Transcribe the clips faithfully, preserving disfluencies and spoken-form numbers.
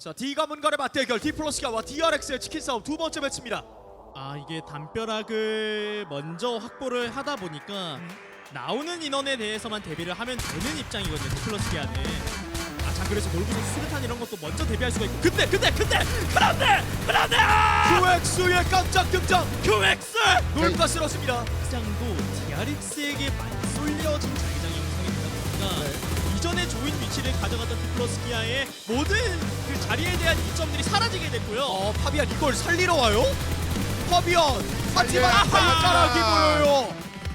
자, D 가문간의 맞대결 디플러스가와 디알엑스의 치킨 싸움 두 번째 매치입니다. 아 이게 담벼락을 먼저 확보를 하다 보니까 음. 나오는 인원에 대해서만 대비를 하면 되는 입장이거든요. 디플러스 기아는. 아 자 그래서 놀부선 수류탄 이런 것도 먼저 대비할 수가 있고. 근데 근데 근데 그런데 그런데 큐엑스의 깜짝 등장. 큐엑스 놀파스럽습니다. 장도 디알엑스에게 많이 쏠려진 자기장 형성이 되다 보니까 네. 이전에 조인 위치를 가져갔던 디플러스 기아의 모든 그 자리에 대한 이점들이 사라지게 됐고요. 어, 파비안 이걸 살리러 와요? 파비안 하지만 아하! 발가락이 보여요.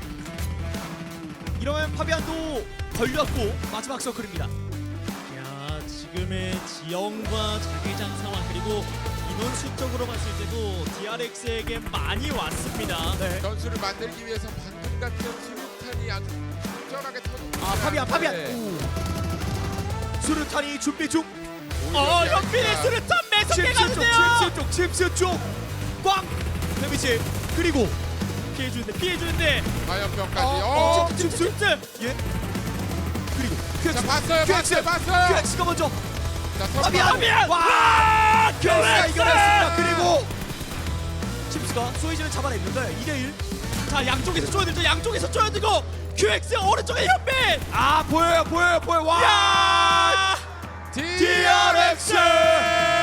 이러면 파비안도 걸렸고 마지막 서클입니다. 야 지금의 지형과 자기장 상황 그리고 인원 수적으로 봤을 때도 디알엑스에게 많이 왔습니다. 네. 전술을 만들기 위해서 방금 같은 수류탄이 아주 적절하게 터졌고. 아, 파비안 파비안. 네. 오. 수류탄이 준비 중. 어 현빈의 수류탄 매섭게 칩스 쪽, 가는데요. 칩스 쪽, 칩스 쪽. 꽝. 데미지. 그리고 피해주는데 피해주는데 화염병까지. 어, 어, 칩스, 칩스. 예. 그리고 자 큐엑스. 봤어요, 큐엑스. 봤어요, 봤어요. 큐엑스가 먼저. 자, 선 파비안. 파비안! 와. 큐엑스가 큐엑스! 이겨냈습니다. 그리고 칩스가 소이즈를 잡아냈는데 이 대 일. 자 양쪽에서 쪼여들죠. 양쪽에서 쪼여들고 큐엑스 오른쪽에 현빈. 아, 보여요, 보여요, 보여. 와. 야! 디알엑스.